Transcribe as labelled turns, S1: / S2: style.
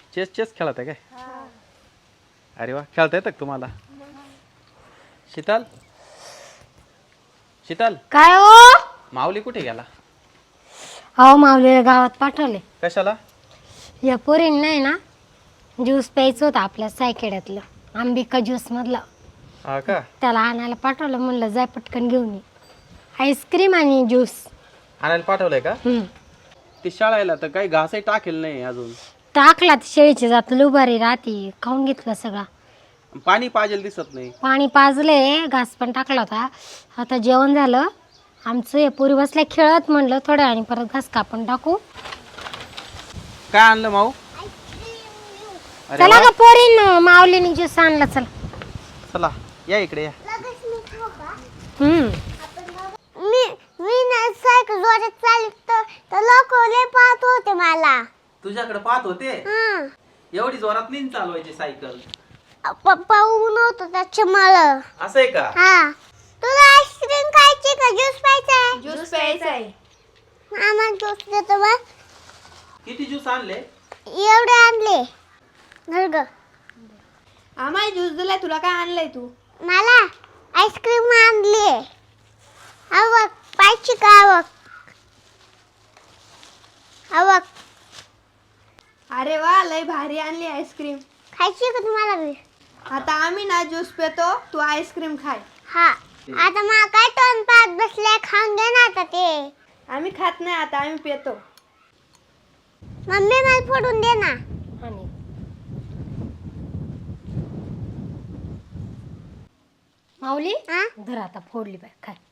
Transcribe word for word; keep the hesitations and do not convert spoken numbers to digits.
S1: Chess chess खेळत आहे काय? अरे वा, खेळता येतं का तुम्हाला? शीतल शीतल
S2: काय हो?
S1: माऊली कुठे गेला?
S2: अहो माऊलीला गावात पाठवले.
S1: कशाला?
S2: या पोरींना नाही ना ज्यूस प्यायचं होतं आपल्या सायखेड्यातलं, अंबिका ज्यूस मधलं.
S1: हा का?
S2: त्याला आणायला पाठवलं, म्हणलं जाय पटकन घेऊन ये. आईस्क्रीम आणि ज्यूस.
S1: आणायला पाठवलंय का?
S2: हम्म.
S1: ती शाळेला तर काही घासही टाकेल नाही अजून.
S2: टाकला तर शेळीची जात लुबारी राहते, खाऊन घेतलं सगळा.
S1: पाणी पाजेल दिसत नाही.
S2: पाणी पाजले, घास पण टाकला होता. आता जेवण झालं आमचं. हे पोरी बसल्या खेळत, म्हणलं थोड्या आणि परत घास कापून टाकू.
S1: काय आणलं माऊ? अरे
S2: चला
S1: वा.
S2: का पोरीन, माऊलीने ज्यूस आणला. चला
S1: चला या इकडे या.
S2: हम्म.
S3: मी मी ना सायकल जोरात चालतो तर लोक लय पाहत होते मला.
S1: तुझ्याकडे पाहत होते?
S3: हं.
S1: एवढी जोरात नाही चालवायची सायकल.
S3: पप्पा ऊन होतं त्याच्या मला.
S1: असं आहे का?
S3: हा. तुला आईस्क्रीम खायची का ज्यूस प्यायचा आहे?
S4: ज्यूस प्यायचा आहे.
S3: आम्हाला ज्यूस देतो बा.
S1: किती ज्यूस आणले?
S3: एवढे आणले. धर ग.
S4: आम्हाला ज्यूस दिलाय, तुला काय आणलंय तू?
S3: मला आईस्क्रीम आणली. आवक पाहिजे का? आवक आवक
S4: अरे वा, लय भारी आणली आईस्क्रीम.
S3: खायची का तुम्हाला बी?
S4: आता आम्ही ना ज्यूस पितो, तू आईस्क्रीम खाय.
S3: हा. आता मला काय टोन पाहत बसले, खाऊन दे ना आता ते.
S4: आम्ही खात नाही, आता आम्ही पितो.
S3: मम्मी मला फोडून दे ना.
S2: आणि माऊली
S3: हा?
S2: धर आता फोडली बाय, काय